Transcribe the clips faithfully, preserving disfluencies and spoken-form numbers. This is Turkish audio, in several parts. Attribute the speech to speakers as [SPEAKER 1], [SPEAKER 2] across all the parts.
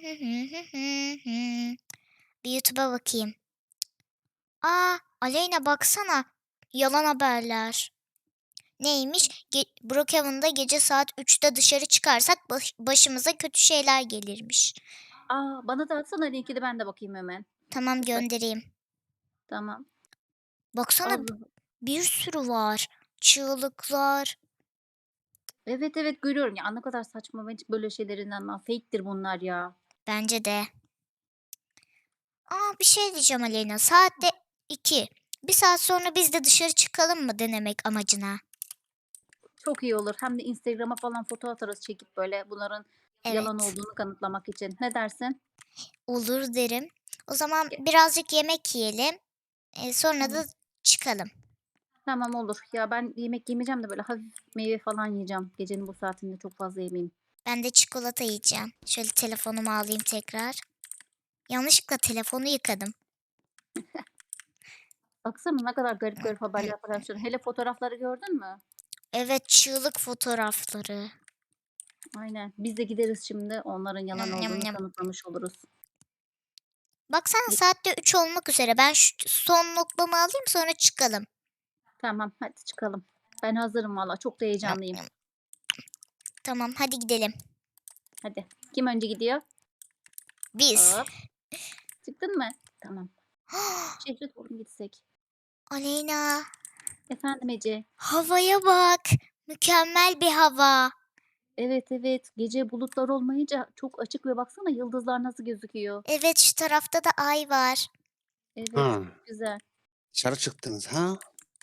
[SPEAKER 1] Bir YouTube'a bakayım. A! Aleyna baksana. Yalan haberler. Neymiş? Ge Brookhaven'da gece saat üçte dışarı çıkarsak baş başımıza kötü şeyler gelirmiş.
[SPEAKER 2] A! Bana da atsana linkini ben de bakayım hemen.
[SPEAKER 1] Tamam,
[SPEAKER 2] Lütfen.
[SPEAKER 1] göndereyim.
[SPEAKER 2] Tamam.
[SPEAKER 1] Baksana
[SPEAKER 2] Allah.
[SPEAKER 1] bir sürü var. Çığlıklar.
[SPEAKER 2] Evet, evet görüyorum. Ya, ne kadar saçma. Ben hiç böyle şeylere inanmam. Fake'tir bunlar ya.
[SPEAKER 1] Bence de. A! Bir şey diyeceğim Aleyna. Saat de iki. Bir saat sonra biz de dışarı çıkalım mı denemek amacına?
[SPEAKER 2] Çok iyi olur. Hem de Instagram'a falan foto atarız çekip böyle bunların yalan
[SPEAKER 1] Evet.
[SPEAKER 2] olduğunu kanıtlamak için. Ne dersin?
[SPEAKER 1] Olur derim. O zaman
[SPEAKER 2] Ge
[SPEAKER 1] birazcık yemek yiyelim. Eee, sonra
[SPEAKER 2] Tamam.
[SPEAKER 1] da çıkalım.
[SPEAKER 2] Tamam olur. Ya, ben yemek yemeyeceğim de böyle hafif meyve falan yiyeceğim. Gecenin bu saatinde çok fazla yemeyeyim.
[SPEAKER 1] Ben de çikolata yiyeceğim. Şöyle telefonumu alayım tekrar. Yanlışlıkla telefonu yıkadım.
[SPEAKER 2] Baksana ne kadar garip garip haberler paylaşıyorsun. Hele fotoğrafları gördün mü?
[SPEAKER 1] Evet, çığlık fotoğrafları.
[SPEAKER 2] Aynen. Biz de gideriz şimdi onların yalan
[SPEAKER 1] Nyam nyam
[SPEAKER 2] olduğunu
[SPEAKER 1] nyam.
[SPEAKER 2] kanıtlamış oluruz.
[SPEAKER 1] Baksana
[SPEAKER 2] Gi
[SPEAKER 1] saat de üç olmak üzere. Ben şu son lokmamı alayım sonra çıkalım.
[SPEAKER 2] Tamam, hadi çıkalım. Ben hazırım valla. Çok da
[SPEAKER 1] Nyam
[SPEAKER 2] heyecanlıyım.
[SPEAKER 1] nyam. Tamam, hadi gidelim.
[SPEAKER 2] Hadi. Kim önce gidiyor?
[SPEAKER 1] Biz.
[SPEAKER 2] Hop. Çıktın mı? Tamam. Şehre doğru mu gitsek?
[SPEAKER 1] Aleyna,
[SPEAKER 2] Efendim Ece?
[SPEAKER 1] havaya bak. Mükemmel bir hava.
[SPEAKER 2] Evet, evet. Gece bulutlar olmayınca çok açık ve baksana yıldızlar nasıl gözüküyor.
[SPEAKER 1] Evet, şu tarafta da ay var.
[SPEAKER 2] Evet,
[SPEAKER 3] Ha,
[SPEAKER 2] çok güzel.
[SPEAKER 3] dışarı çıktınız ha?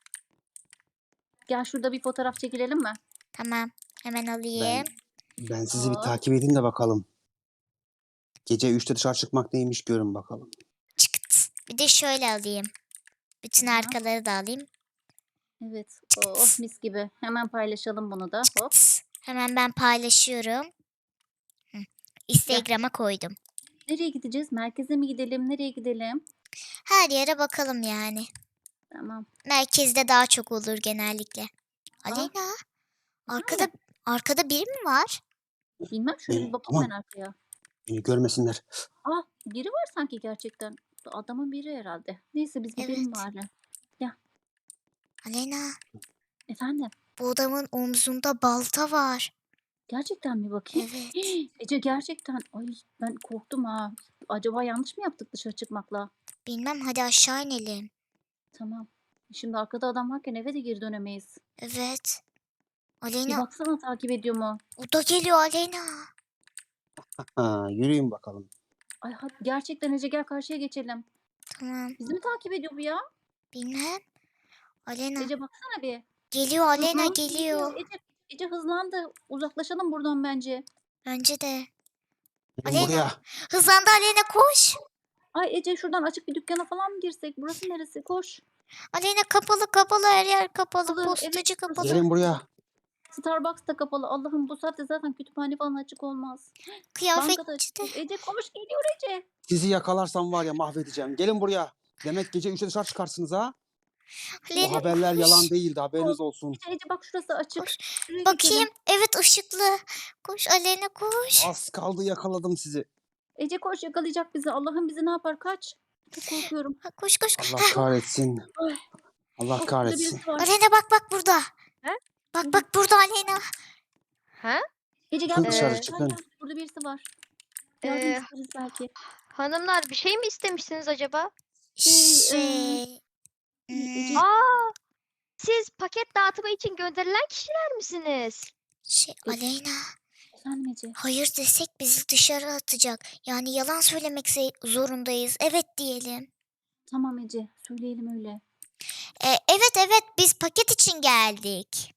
[SPEAKER 2] Gel şurada bir fotoğraf çekilelim mi?
[SPEAKER 1] Tamam, hemen
[SPEAKER 3] Ben
[SPEAKER 1] alayım.
[SPEAKER 3] ben sizi bir
[SPEAKER 2] Hop.
[SPEAKER 3] takip edeyim de bakalım. Gece üçte dışarı çıkmak neymiş görün bakalım.
[SPEAKER 1] Çıkıt. Bir de şöyle alayım. Bütün
[SPEAKER 2] Tamam.
[SPEAKER 1] arkaları da alayım.
[SPEAKER 2] Evet. Oh
[SPEAKER 1] Çıkıt.
[SPEAKER 2] mis gibi. Hemen paylaşalım bunu da. Hop.
[SPEAKER 1] Çıkıt. Hemen ben paylaşıyorum. Hı.
[SPEAKER 2] Gel.
[SPEAKER 1] Instagram'a koydum.
[SPEAKER 2] Nereye gideceğiz? Merkeze mi gidelim? Nereye gidelim?
[SPEAKER 1] Her yere bakalım yani.
[SPEAKER 2] Tamam.
[SPEAKER 1] Merkezde daha çok olur genellikle.
[SPEAKER 2] Ah,
[SPEAKER 1] Aleyna, arkada
[SPEAKER 2] efendim?
[SPEAKER 1] arkada biri mi var?
[SPEAKER 2] Bilmem şöyle bir
[SPEAKER 3] Beni
[SPEAKER 2] bakayım ben
[SPEAKER 3] aman
[SPEAKER 2] arkaya.
[SPEAKER 3] beni görmesinler.
[SPEAKER 2] Ah, biri var sanki gerçekten. Adamın biri herhalde. Neyse biz gidelim
[SPEAKER 1] Evet.
[SPEAKER 2] bari. Gel.
[SPEAKER 1] Aleyna,
[SPEAKER 2] Efendim?
[SPEAKER 1] bu adamın omzunda balta var.
[SPEAKER 2] Gerçekten mi bakayım?
[SPEAKER 1] Evet.
[SPEAKER 2] Ece gerçekten. Ay ben korktum ha. Acaba yanlış mı yaptık dışarı çıkmakla?
[SPEAKER 1] Bilmem, hadi aşağı inelim.
[SPEAKER 2] Tamam. Şimdi arkada adam varken eve de geri dönemeyiz.
[SPEAKER 1] Evet.
[SPEAKER 2] Bir
[SPEAKER 1] Aleyna,
[SPEAKER 2] baksana takip ediyor mu?
[SPEAKER 1] o da geliyor Aleyna.
[SPEAKER 3] Ha, yürüyün bakalım.
[SPEAKER 2] Ay hadi gerçekten Ece gel karşıya geçelim.
[SPEAKER 1] Tamam.
[SPEAKER 2] Bizi mi takip ediyor bu ya?
[SPEAKER 1] Bilmem. Aleyna.
[SPEAKER 2] Ece baksana bir.
[SPEAKER 1] Geliyor Aleyna,
[SPEAKER 2] Hızlandı geliyor.
[SPEAKER 1] geliyor.
[SPEAKER 2] Ece, Ece hızlandı. Uzaklaşalım buradan bence.
[SPEAKER 1] Bence de.
[SPEAKER 3] Gelin
[SPEAKER 1] Aleyna.
[SPEAKER 3] buraya.
[SPEAKER 1] Hızlandı Aleyna, koş.
[SPEAKER 2] Ay Ece şuradan açık bir dükkana falan mı girsek? Burası neresi? Koş.
[SPEAKER 1] Aleyna, kapalı kapalı, her yer kapalı.
[SPEAKER 2] Kapalı. Evet
[SPEAKER 1] Postacı
[SPEAKER 2] burası.
[SPEAKER 1] kapalı.
[SPEAKER 3] Gelin buraya.
[SPEAKER 2] Starbucks da kapalı. Allah'ım bu saatte zaten kütüphane falan açık olmaz. Banka da
[SPEAKER 1] Kıyafetçi
[SPEAKER 2] açık
[SPEAKER 1] de.
[SPEAKER 2] değil. Ece koş geliyor Ece.
[SPEAKER 3] Sizi yakalarsam var ya mahvedeceğim. Gelin buraya. Demek gece üçte dışarı çıkarsınız ha? O
[SPEAKER 1] Aleyna
[SPEAKER 3] haberler yalan
[SPEAKER 1] koş.
[SPEAKER 3] değildi
[SPEAKER 2] Koş.
[SPEAKER 3] haberiniz olsun.
[SPEAKER 2] Ece Ece bak şurası açık.
[SPEAKER 1] Koş.
[SPEAKER 2] Şuraya
[SPEAKER 1] Bakayım.
[SPEAKER 2] geçelim.
[SPEAKER 1] Evet, ışıklı. Koş Aleyna, koş.
[SPEAKER 3] Az kaldı yakaladım sizi.
[SPEAKER 2] Ece koş yakalayacak bizi. Allah'ım bizi ne yapar? Kaç. Çok korkuyorum.
[SPEAKER 1] Ha, koş koş.
[SPEAKER 3] Allah
[SPEAKER 1] Heh.
[SPEAKER 3] kahretsin.
[SPEAKER 2] Ay,
[SPEAKER 3] Allah
[SPEAKER 2] bak burada
[SPEAKER 3] kahretsin.
[SPEAKER 2] birisi var.
[SPEAKER 1] Aleyna bak bak burada.
[SPEAKER 4] He?
[SPEAKER 1] Bak
[SPEAKER 2] Nerede?
[SPEAKER 1] bak burada Aleyna.
[SPEAKER 4] Ha?
[SPEAKER 2] Ece gel
[SPEAKER 3] Çıkın
[SPEAKER 2] buraya.
[SPEAKER 3] dışarı
[SPEAKER 4] Eee,
[SPEAKER 2] Gel
[SPEAKER 3] çıkın.
[SPEAKER 2] gel. Burada birisi var. Yardım
[SPEAKER 4] eee,
[SPEAKER 2] isteriz belki.
[SPEAKER 4] hanımlar bir şey mi istemişsiniz acaba?
[SPEAKER 2] Şey, eee,
[SPEAKER 1] Şey.
[SPEAKER 2] şey
[SPEAKER 1] hmm,
[SPEAKER 2] Ece,
[SPEAKER 4] Aa, siz paket dağıtımı için gönderilen kişiler misiniz?
[SPEAKER 1] şey
[SPEAKER 2] e,
[SPEAKER 1] Aleyna.
[SPEAKER 2] efendim Ece.
[SPEAKER 1] Hayır desek bizi dışarı atacak. Yani yalan söylemek ze- zorundayız. Evet diyelim.
[SPEAKER 2] Tamam Ece, söyleyelim öyle.
[SPEAKER 1] E, evet evet, biz paket için geldik.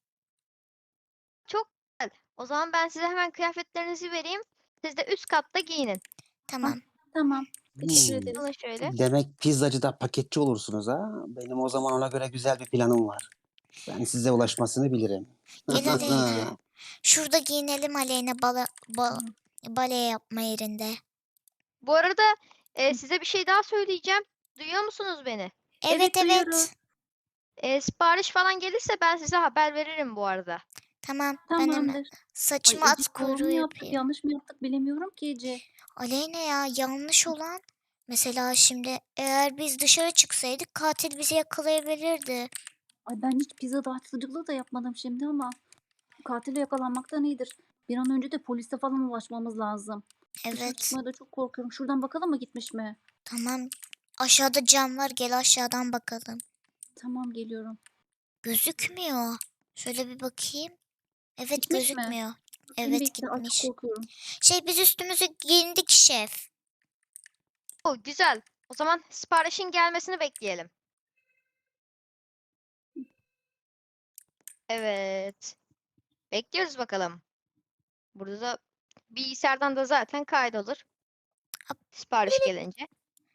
[SPEAKER 4] Çok güzel. O zaman ben size hemen kıyafetlerinizi vereyim. Siz de üst katta giyinin.
[SPEAKER 2] Ah,
[SPEAKER 1] Tamam.
[SPEAKER 2] tamam. Teşekkür
[SPEAKER 3] Hmm.
[SPEAKER 2] ederiz.
[SPEAKER 4] Alın şöyle.
[SPEAKER 3] Demek pizzacıda paketçi olursunuz ha? Benim o zaman ona göre güzel bir planım var. Ben size ulaşmasını bilirim.
[SPEAKER 1] Gel
[SPEAKER 2] Tamam
[SPEAKER 1] Aleyna.
[SPEAKER 2] Ece.
[SPEAKER 1] Şurada giyinelim Aleyna, bala, ba,
[SPEAKER 2] Tamam.
[SPEAKER 1] bale yapma yerinde.
[SPEAKER 4] Bu arada eee,
[SPEAKER 2] Hı.
[SPEAKER 4] size bir şey daha söyleyeceğim. Duyuyor musunuz beni?
[SPEAKER 1] Evet
[SPEAKER 2] Evet
[SPEAKER 1] evet.
[SPEAKER 2] duyuyoruz.
[SPEAKER 4] Eee, sipariş falan gelirse ben size haber veririm bu arada.
[SPEAKER 1] Tamam ben hemen
[SPEAKER 2] Tamamdır. Ay
[SPEAKER 1] saçıma
[SPEAKER 2] Ece
[SPEAKER 1] at
[SPEAKER 2] doğru mu
[SPEAKER 1] kuyruğu
[SPEAKER 2] yaptık
[SPEAKER 1] yapayım.
[SPEAKER 2] yanlış mı yaptık bilemiyorum ki Ece.
[SPEAKER 1] Aleyna ya yanlış olan mesela şimdi eğer biz dışarı çıksaydık katil bizi yakalayabilirdi.
[SPEAKER 2] Ay ben hiç pizza dağıtıcılığı da yapmadım şimdi ama katile yakalanmaktan iyidir. Bir an önce de polise falan ulaşmamız lazım. Dışarı
[SPEAKER 1] Evet
[SPEAKER 2] çıkmaya da çok korkuyorum. Şuradan bakalım mı gitmiş mi?
[SPEAKER 1] tamam aşağıda cam var gel aşağıdan bakalım.
[SPEAKER 2] Tamam geliyorum.
[SPEAKER 1] Gözükmüyor. Şöyle bir bakayım. Evet
[SPEAKER 2] Gitmiş mi?
[SPEAKER 1] gözükmüyor.
[SPEAKER 2] Beni
[SPEAKER 1] Evet
[SPEAKER 2] bekle. Ay çok
[SPEAKER 1] gitmiş.
[SPEAKER 2] korkuyorum.
[SPEAKER 1] Şey biz üstümüzü giyindik şef.
[SPEAKER 4] O güzel. O zaman siparişin gelmesini bekleyelim. Evet. Bekliyoruz bakalım. Burada da bilgisayardan da zaten kaydolur.
[SPEAKER 1] Hop.
[SPEAKER 4] Sipariş gelince.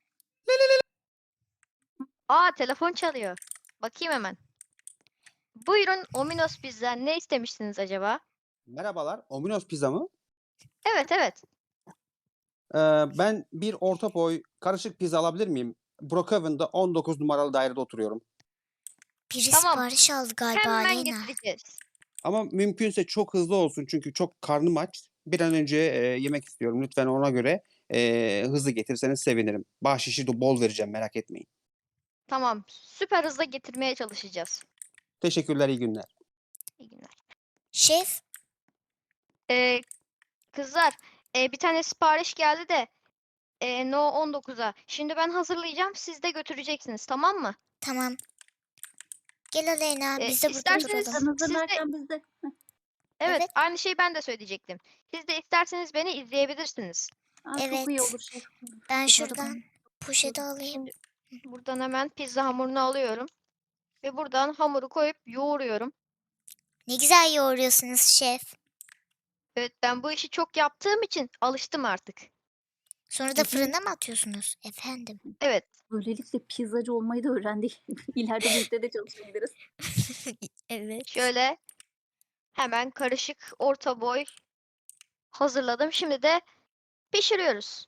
[SPEAKER 4] Aa telefon çalıyor. Bakayım hemen. Buyurun Ominos Pizza. Ne istemiştiniz acaba?
[SPEAKER 3] Merhabalar. Ominos Pizza mı?
[SPEAKER 4] Evet evet.
[SPEAKER 3] Ee, ben bir orta boy karışık pizza alabilir miyim? Brookhaven'da on dokuz numaralı dairede oturuyorum.
[SPEAKER 1] Biri
[SPEAKER 4] Tamam.
[SPEAKER 1] sipariş aldı galiba
[SPEAKER 4] Hemen
[SPEAKER 1] Aleyna.
[SPEAKER 4] getireceğiz.
[SPEAKER 3] Ama mümkünse çok hızlı olsun çünkü çok karnım aç. Bir an önce e, yemek istiyorum. Lütfen ona göre e, hızlı getirseniz sevinirim. Bahşişi de bol vereceğim merak etmeyin.
[SPEAKER 4] Tamam. Süper hızla getirmeye çalışacağız.
[SPEAKER 3] Teşekkürler, iyi günler.
[SPEAKER 4] İyi günler.
[SPEAKER 1] Şef
[SPEAKER 4] Ee, kızlar, e, bir tane sipariş geldi de e, No on dokuza. Şimdi ben hazırlayacağım. Siz de götüreceksiniz, tamam mı?
[SPEAKER 1] tamam. Gel Aleyna
[SPEAKER 4] E,
[SPEAKER 1] biz de burada
[SPEAKER 4] isterseniz
[SPEAKER 1] duralım.
[SPEAKER 2] Sen
[SPEAKER 4] siz de
[SPEAKER 2] hazırlarken biz de. Heh,
[SPEAKER 4] evet,
[SPEAKER 1] Evet.
[SPEAKER 4] aynı şeyi ben de söyleyecektim. Siz de isterseniz beni izleyebilirsiniz.
[SPEAKER 2] aa, çok iyi
[SPEAKER 1] Evet.
[SPEAKER 2] olur şef.
[SPEAKER 1] Ben
[SPEAKER 2] Kızları
[SPEAKER 1] şuradan
[SPEAKER 2] ben
[SPEAKER 1] poşeti alayım.
[SPEAKER 4] Şimdi buradan hemen pizza hamurunu alıyorum ve buradan hamuru koyup yoğuruyorum.
[SPEAKER 1] Ne güzel yoğuruyorsunuz şef.
[SPEAKER 4] Evet, ben bu işi çok yaptığım için alıştım artık.
[SPEAKER 1] Sonra da
[SPEAKER 2] Ece,
[SPEAKER 1] fırına mı atıyorsunuz? Efendim.
[SPEAKER 4] Evet,
[SPEAKER 2] böylelikle pizzacı olmayı da öğrendik. İleride bu işte de çalışabiliriz.
[SPEAKER 1] Evet.
[SPEAKER 4] şöyle hemen karışık orta boy hazırladım. Şimdi de pişiriyoruz.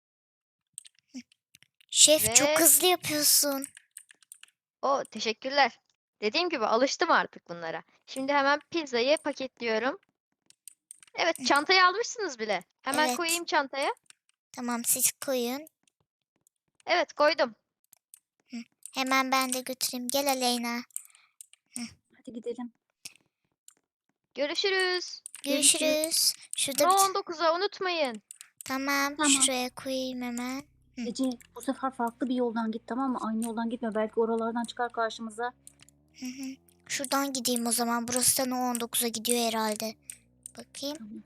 [SPEAKER 1] Şef çok
[SPEAKER 4] Ve
[SPEAKER 1] hızlı yapıyorsun.
[SPEAKER 4] o teşekkürler. Dediğim gibi alıştım artık bunlara. Şimdi hemen pizzayı paketliyorum. Evet, çantayı almışsınız bile. Hemen
[SPEAKER 1] Evet.
[SPEAKER 4] koyayım çantaya.
[SPEAKER 1] Tamam siz koyun.
[SPEAKER 4] Evet, koydum.
[SPEAKER 1] Hemen ben de götüreyim. Gel Aleyna.
[SPEAKER 2] Hadi gidelim.
[SPEAKER 4] Görüşürüz.
[SPEAKER 2] Görüşürüz.
[SPEAKER 1] Görüşürüz. Şurada
[SPEAKER 4] No
[SPEAKER 1] bir...
[SPEAKER 4] on dokuza unutmayın.
[SPEAKER 1] Tamam,
[SPEAKER 2] Tamam.
[SPEAKER 1] şuraya koyayım hemen. Hı.
[SPEAKER 2] Ece bu sefer farklı bir yoldan git tamam mı? Aynı yoldan gitme. Belki oralardan çıkar karşımıza.
[SPEAKER 1] Hı hı. Şuradan gideyim o zaman. Burası da No on dokuza gidiyor herhalde. Bakayım.
[SPEAKER 2] Tamam.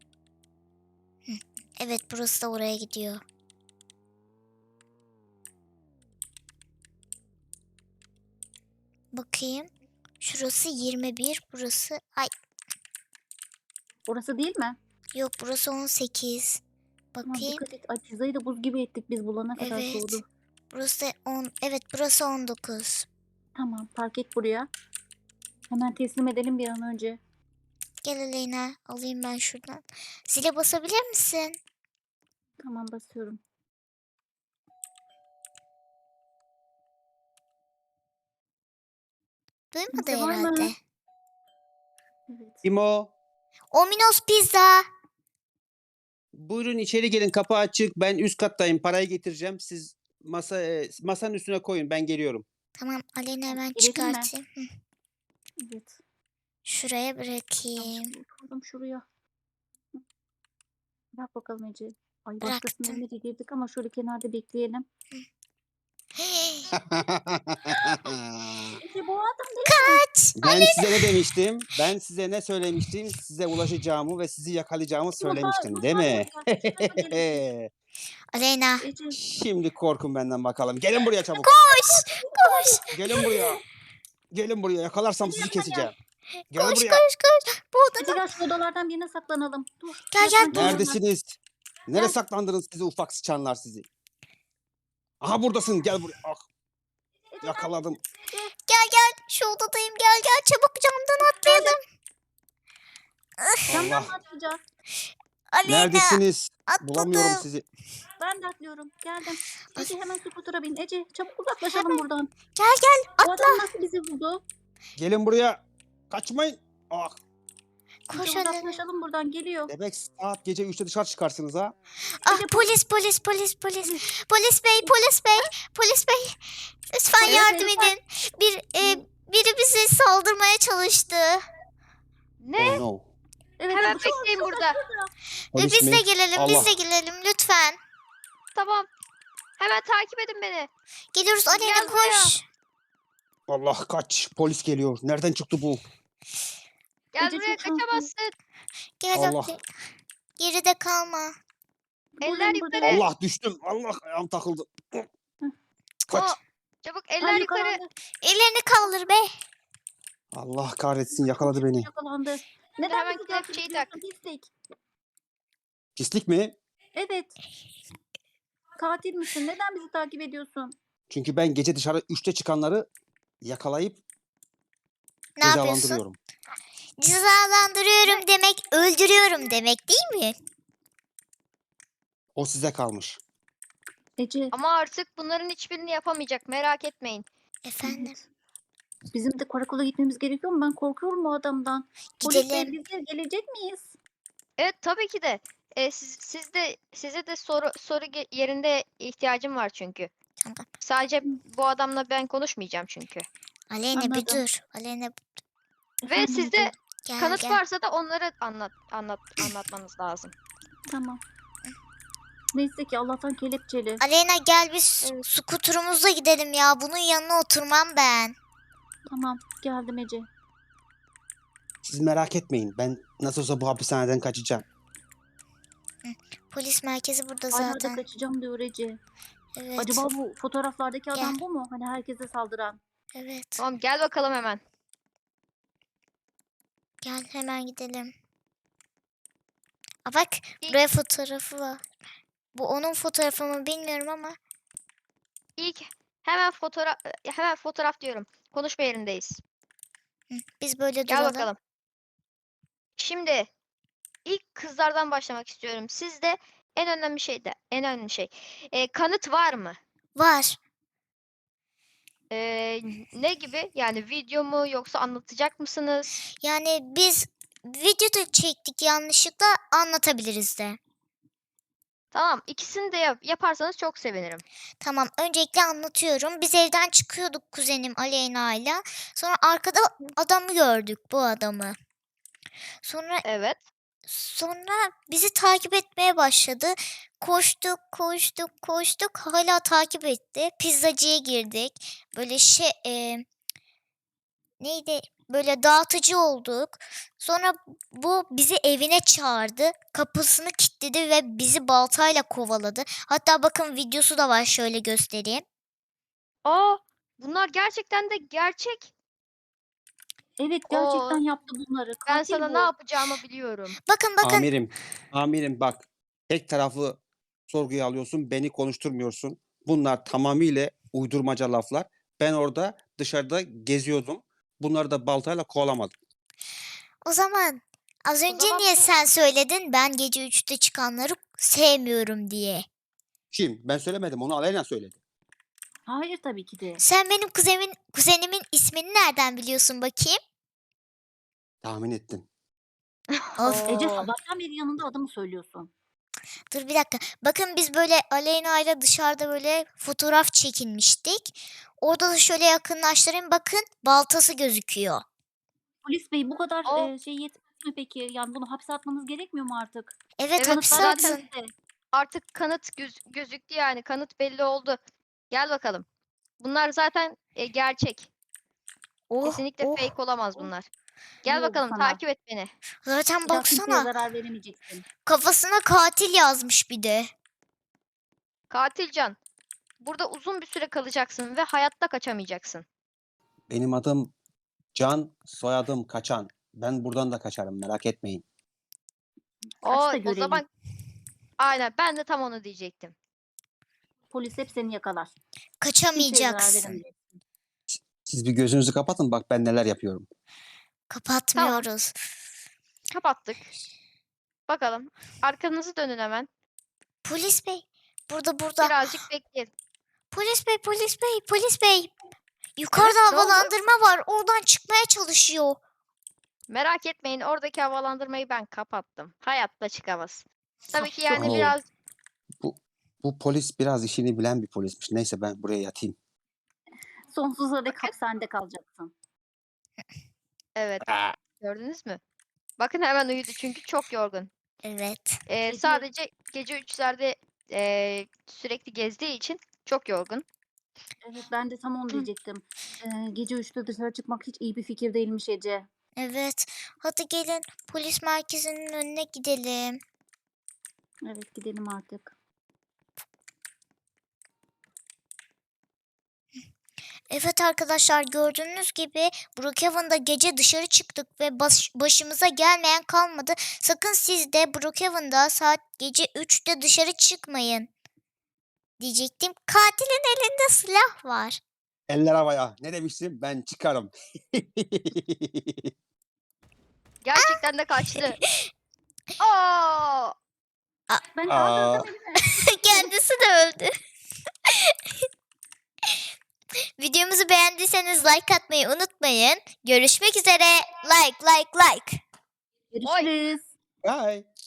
[SPEAKER 1] Evet burası da oraya gidiyor. Bakayım. Şurası yirmi bir. Burası... Ay
[SPEAKER 2] Orası değil mi?
[SPEAKER 1] yok burası on sekiz.
[SPEAKER 2] Tamam
[SPEAKER 1] Bakayım.
[SPEAKER 2] dikkat et. Ay pizzayı da buz gibi ettik biz bulana kadar
[SPEAKER 1] Evet.
[SPEAKER 2] soğudu.
[SPEAKER 1] Burası da on. Evet burası on dokuz.
[SPEAKER 2] Tamam park et buraya. Hemen teslim edelim bir an önce.
[SPEAKER 1] Gel Aleyna. Alayım ben şuradan. Zile basabilir misin?
[SPEAKER 2] Tamam basıyorum.
[SPEAKER 1] Duymadı
[SPEAKER 2] Kimse var
[SPEAKER 1] herhalde.
[SPEAKER 2] mı? Evet.
[SPEAKER 3] Kim o?
[SPEAKER 1] Ominos Pizza.
[SPEAKER 3] Buyurun içeri gelin, kapı açık. Ben üst kattayım, parayı getireceğim. Siz masa e, masanın üstüne koyun, ben geliyorum.
[SPEAKER 1] Tamam Aleyna hemen
[SPEAKER 2] Girelim mi?
[SPEAKER 1] çıkartayım. Hı,
[SPEAKER 2] Evet.
[SPEAKER 1] şuraya
[SPEAKER 2] Tamam,
[SPEAKER 1] bırakayım.
[SPEAKER 2] şöyle oturdum şuraya. Hı. Bak bakalım Ece. Ay
[SPEAKER 1] Bıraktım.
[SPEAKER 2] başkasının evine de girdik ama şöyle kenarda bekleyelim. Ece bu adam değil mi?
[SPEAKER 1] Kaç.
[SPEAKER 3] Ben size ne demiştim? Ben size ne söylemiştim? Size ulaşacağımı ve sizi yakalayacağımı
[SPEAKER 2] Ece, bu daha-
[SPEAKER 3] söylemiştim,
[SPEAKER 2] bu
[SPEAKER 3] değil
[SPEAKER 2] daha
[SPEAKER 3] mi?
[SPEAKER 2] buraya. Şu tarafa gelin.
[SPEAKER 1] Aleyna.
[SPEAKER 2] Ece.
[SPEAKER 3] Şimdi korkun benden bakalım. Gelin buraya çabuk.
[SPEAKER 1] Koş. Koş.
[SPEAKER 3] Gelin buraya. Gelin buraya. Yakalarsam sizi keseceğim. Gel
[SPEAKER 1] Koş
[SPEAKER 3] buraya.
[SPEAKER 1] koş koş. Bu
[SPEAKER 2] Ece
[SPEAKER 1] odada.
[SPEAKER 2] gel şu odalardan birine saklanalım. Dur.
[SPEAKER 1] Gel,
[SPEAKER 2] Gel,
[SPEAKER 1] gel, dur.
[SPEAKER 3] Neredesiniz? Nereye
[SPEAKER 2] Gel.
[SPEAKER 3] saklandınız sizi ufak sıçanlar sizi? Aha buradasın. Gel buraya. Ah, yakaladım.
[SPEAKER 1] Gel gel. Şu odadayım. Gel gel. Çabuk camdan atlayalım.
[SPEAKER 2] Camdan
[SPEAKER 3] Allah.
[SPEAKER 2] mı atlayacağız?
[SPEAKER 1] Aleyna.
[SPEAKER 3] Neredesiniz?
[SPEAKER 1] Atladım.
[SPEAKER 3] Bulamıyorum sizi.
[SPEAKER 2] Ben de atlıyorum. Geldim. Ece hemen skutura bin. Ece çabuk uzaklaşalım buradan.
[SPEAKER 1] Gel gel.
[SPEAKER 2] Bu
[SPEAKER 1] Atla.
[SPEAKER 2] adam nasıl bizi buldu?
[SPEAKER 3] Gelin buraya. Kaçmayın. Ah.
[SPEAKER 1] Koş
[SPEAKER 2] Ece
[SPEAKER 1] Aleyna.
[SPEAKER 2] uzaklaşalım buradan, geliyor.
[SPEAKER 3] Demek saat gece üçte dışarı çıkarsınız ha?
[SPEAKER 1] Ah
[SPEAKER 2] Ece,
[SPEAKER 1] polis polis polis polis. Polis bey polis bey polis bey. Lütfen
[SPEAKER 2] Polis
[SPEAKER 1] yardım
[SPEAKER 2] bey,
[SPEAKER 1] edin. Bir e, biri bize saldırmaya çalıştı.
[SPEAKER 4] Ne?
[SPEAKER 3] Oh no.
[SPEAKER 2] Evet,
[SPEAKER 4] Hemen
[SPEAKER 2] evet, şu-
[SPEAKER 4] bekleyin burada.
[SPEAKER 1] Ve
[SPEAKER 3] Polis
[SPEAKER 1] biz
[SPEAKER 3] mi?
[SPEAKER 1] de gelelim biz
[SPEAKER 3] Allah.
[SPEAKER 1] de gelelim lütfen.
[SPEAKER 4] Tamam. Hemen takip edin beni.
[SPEAKER 1] Geliyoruz Aleyna
[SPEAKER 4] Gel buraya.
[SPEAKER 1] koş.
[SPEAKER 3] Allah kaç. Polis geliyor. Nereden çıktı bu?
[SPEAKER 4] Gel
[SPEAKER 2] Ece,
[SPEAKER 4] buraya,
[SPEAKER 2] çok şanslı.
[SPEAKER 4] kaçamazsın.
[SPEAKER 1] Gel
[SPEAKER 3] Allah.
[SPEAKER 1] Aleyna. Geride kalma.
[SPEAKER 4] Eller
[SPEAKER 2] Buradayım,
[SPEAKER 4] yukarı.
[SPEAKER 2] buradayım.
[SPEAKER 3] Allah düştüm. Allah ayağım takıldı. Kaç.
[SPEAKER 4] Aa, çabuk
[SPEAKER 2] Ha,
[SPEAKER 4] eller yukarı.
[SPEAKER 2] yakalandı.
[SPEAKER 1] Ellerini kaldır be.
[SPEAKER 3] Allah kahretsin yakaladı beni.
[SPEAKER 2] Yakalandı. Neden
[SPEAKER 4] hemen
[SPEAKER 2] bizi takip
[SPEAKER 4] kelepçeyi
[SPEAKER 2] ediyorsun? Pislik.
[SPEAKER 3] Pislik mi?
[SPEAKER 2] Evet. Katil misin? Neden bizi takip ediyorsun?
[SPEAKER 3] Çünkü ben gece dışarı üçte çıkanları yakalayıp
[SPEAKER 1] Ne yapıyorsun?
[SPEAKER 3] cezalandırıyorum.
[SPEAKER 1] Cezalandırıyorum demek öldürüyorum demek değil mi?
[SPEAKER 3] O size kalmış.
[SPEAKER 2] Ece.
[SPEAKER 4] Ama artık bunların hiçbirini yapamayacak. Merak etmeyin.
[SPEAKER 1] Efendim
[SPEAKER 2] Evet. Bizim de karakola gitmemiz gerekiyor mu? Ben korkuyorum bu adamdan. Polis bey,
[SPEAKER 1] gidelim.
[SPEAKER 2] biz de gelecek miyiz?
[SPEAKER 4] Evet, tabii ki de. Ee, siz, siz de size de soru soru ge- yerinde ihtiyacım var çünkü.
[SPEAKER 1] Tamam.
[SPEAKER 4] Sadece bu adamla ben konuşmayacağım çünkü.
[SPEAKER 1] Aleyna bir
[SPEAKER 2] Anladım.
[SPEAKER 1] dur. Aleyna
[SPEAKER 4] Ve
[SPEAKER 2] Efendim
[SPEAKER 4] sizde
[SPEAKER 2] Ece?
[SPEAKER 1] gel
[SPEAKER 4] kanıt
[SPEAKER 1] gel.
[SPEAKER 4] varsa da onları anlat anlat anlatmanız lazım.
[SPEAKER 2] Tamam. Neyse ki Allah'tan kelepçeli.
[SPEAKER 1] Aleyna gel biz
[SPEAKER 2] Evet.
[SPEAKER 1] skuturumuzla gidelim ya. Bunun yanına oturmam ben.
[SPEAKER 2] Tamam, geldim Ece.
[SPEAKER 3] Siz merak etmeyin. Ben nasıl olsa bu hapishaneden kaçacağım.
[SPEAKER 1] Polis merkezi burada
[SPEAKER 2] Hala da
[SPEAKER 1] zaten.
[SPEAKER 2] kaçacağım diyor Ece.
[SPEAKER 1] Evet.
[SPEAKER 2] Acaba bu fotoğraflardaki adam
[SPEAKER 1] Gel.
[SPEAKER 2] bu mu? Hani herkese saldıran.
[SPEAKER 1] Evet.
[SPEAKER 4] Tamam, gel bakalım hemen.
[SPEAKER 1] Gel hemen gidelim. Aa, bak
[SPEAKER 4] İlk-
[SPEAKER 1] buraya fotoğrafı var. Bu onun fotoğrafı mı bilmiyorum ama.
[SPEAKER 4] İlk hemen fotoğraf hemen fotoğraf diyorum. Konuşma yerindeyiz.
[SPEAKER 1] Hı, biz böyle
[SPEAKER 4] Gel
[SPEAKER 1] duralım.
[SPEAKER 4] bakalım. Şimdi ilk kızlardan başlamak istiyorum. Sizde en önemli şey de en önemli şey. Ee, kanıt var mı?
[SPEAKER 1] Var.
[SPEAKER 4] Ee, ne gibi? Yani video mu yoksa anlatacak mısınız?
[SPEAKER 1] Yani biz videoda çektik yanlışlıkla anlatabiliriz de.
[SPEAKER 4] Tamam, ikisini de yap- yaparsanız çok sevinirim.
[SPEAKER 1] Tamam öncelikle anlatıyorum. Biz evden çıkıyorduk kuzenim Aleyna'yla. Sonra arkada adamı gördük bu adamı. Sonra
[SPEAKER 4] Evet.
[SPEAKER 1] sonra bizi takip etmeye başladı. Koştuk koştuk koştuk hala takip etti. Pizzacıya girdik. Böyle şey e, neydi? Böyle dağıtıcı olduk. Sonra bu bizi evine çağırdı. Kapısını kilitledi ve bizi baltayla kovaladı. Hatta bakın videosu da var şöyle göstereyim.
[SPEAKER 4] Aa, bunlar gerçekten de gerçek.
[SPEAKER 2] Evet,
[SPEAKER 4] Oo,
[SPEAKER 2] gerçekten yaptı bunları.
[SPEAKER 4] Ben
[SPEAKER 2] Katil
[SPEAKER 4] sana
[SPEAKER 2] bu.
[SPEAKER 4] ne yapacağımı biliyorum.
[SPEAKER 1] Bakın bakın.
[SPEAKER 3] Amirim. Amirim bak. Tek taraflı sorguya alıyorsun. Beni konuşturmuyorsun. Bunlar tamamıyla uydurmaca laflar. Ben orada dışarıda geziyordum. Bunları da baltayla kovalamadım.
[SPEAKER 1] O zaman az
[SPEAKER 4] O
[SPEAKER 1] önce
[SPEAKER 4] zaman
[SPEAKER 1] niye
[SPEAKER 4] bu-
[SPEAKER 1] sen söyledin ben gece üçte çıkanları sevmiyorum diye.
[SPEAKER 3] Kim? Ben söylemedim. Onu Aleyna söyledi.
[SPEAKER 2] Hayır tabii ki de.
[SPEAKER 1] Sen benim kuzenimin, kuzenimin ismini nereden biliyorsun bakayım?
[SPEAKER 3] Tahmin ettim.
[SPEAKER 1] Of.
[SPEAKER 2] Ece
[SPEAKER 4] Oo.
[SPEAKER 2] sabahtan beri yanında adamı söylüyorsun.
[SPEAKER 1] Dur bir dakika. Bakın biz böyle Aleyna ile dışarıda böyle fotoğraf çekinmiştik. Orada da şöyle yakınlaştırayım. Bakın baltası gözüküyor.
[SPEAKER 2] Polis bey, bu kadar
[SPEAKER 4] O-
[SPEAKER 2] e, şey yetmez mi peki? Yani bunu hapse atmanız gerekmiyor mu artık?
[SPEAKER 1] Evet,
[SPEAKER 4] Evet,
[SPEAKER 1] hapse
[SPEAKER 4] zaten-
[SPEAKER 1] atın.
[SPEAKER 2] elimizde.
[SPEAKER 4] Artık kanıt göz- gözüktü yani. Kanıt belli oldu. Gel bakalım. Bunlar zaten e, gerçek.
[SPEAKER 1] Oh,
[SPEAKER 4] Kesinlikle
[SPEAKER 1] oh.
[SPEAKER 4] fake olamaz
[SPEAKER 2] oh.
[SPEAKER 4] bunlar.
[SPEAKER 2] İyi
[SPEAKER 4] Gel
[SPEAKER 2] oldu
[SPEAKER 4] bakalım,
[SPEAKER 2] sana.
[SPEAKER 4] takip et beni.
[SPEAKER 1] Zaten
[SPEAKER 2] Bir daha kimseye
[SPEAKER 1] baksana.
[SPEAKER 2] zarar veremeyeceksin.
[SPEAKER 1] Kafasına katil yazmış bir de.
[SPEAKER 4] Katilcan, burada uzun bir süre kalacaksın ve hayatta kaçamayacaksın.
[SPEAKER 3] Benim adım Can, soyadım Kaçan. Ben buradan da kaçarım. Merak etmeyin.
[SPEAKER 4] O,
[SPEAKER 2] Kaç da
[SPEAKER 4] o
[SPEAKER 2] görelim.
[SPEAKER 4] zaman aynen, ben de tam onu diyecektim.
[SPEAKER 2] Polis hep seni yakalar. Kimseye zarar
[SPEAKER 1] Kaçamayacaksın.
[SPEAKER 2] veremeyeceksin.
[SPEAKER 3] Siz bir gözünüzü kapatın. Bak ben neler yapıyorum.
[SPEAKER 1] Kapatmıyoruz.
[SPEAKER 4] Kapattık. Bakalım. Arkanızı dönün hemen.
[SPEAKER 1] Polis bey. Burada burada.
[SPEAKER 4] Birazcık bekleyin.
[SPEAKER 1] Polis bey, polis bey, polis bey. Yukarıda
[SPEAKER 4] Evet, ne oldu?
[SPEAKER 1] havalandırma var. Oradan çıkmaya çalışıyor.
[SPEAKER 4] Merak etmeyin, oradaki havalandırmayı ben kapattım. Hayatta çıkamaz. Tabii ki yani
[SPEAKER 3] Oo.
[SPEAKER 4] biraz
[SPEAKER 3] Bu bu polis biraz işini bilen bir polismiş. Neyse ben buraya yatayım.
[SPEAKER 2] Sonsuza dek
[SPEAKER 4] Bakın.
[SPEAKER 2] hapishanede kalacaksın.
[SPEAKER 4] evet,
[SPEAKER 3] Aa,
[SPEAKER 4] gördünüz mü? Bakın hemen uyudu çünkü çok yorgun.
[SPEAKER 1] Evet.
[SPEAKER 4] Ee,
[SPEAKER 2] Gece-
[SPEAKER 4] sadece gece üçlerde ee, sürekli gezdiği için çok yorgun.
[SPEAKER 2] Evet, ben de tam onu diyecektim. Ee, gece üçte dışarı çıkmak hiç iyi bir fikir değilmiş Ece.
[SPEAKER 1] Evet. Hadi gelin polis merkezinin önüne gidelim.
[SPEAKER 2] Evet, gidelim artık.
[SPEAKER 1] Evet arkadaşlar gördüğünüz gibi Brookhaven'da gece dışarı çıktık ve baş- başımıza gelmeyen kalmadı. Sakın siz de Brookhaven'da saat gece üçte dışarı çıkmayın. Diyecektim. Katilin elinde silah var.
[SPEAKER 3] eller havaya. Ne demiştim? Ben çıkarım.
[SPEAKER 4] Gerçekten de kaçtı. Aa!
[SPEAKER 2] Ben
[SPEAKER 3] Aa.
[SPEAKER 2] öldürdüm beni.
[SPEAKER 1] Kendisi de öldü. Videomuzu beğendiyseniz like atmayı unutmayın. Görüşmek üzere. Like like like.
[SPEAKER 2] Görüşürüz.
[SPEAKER 3] Bye.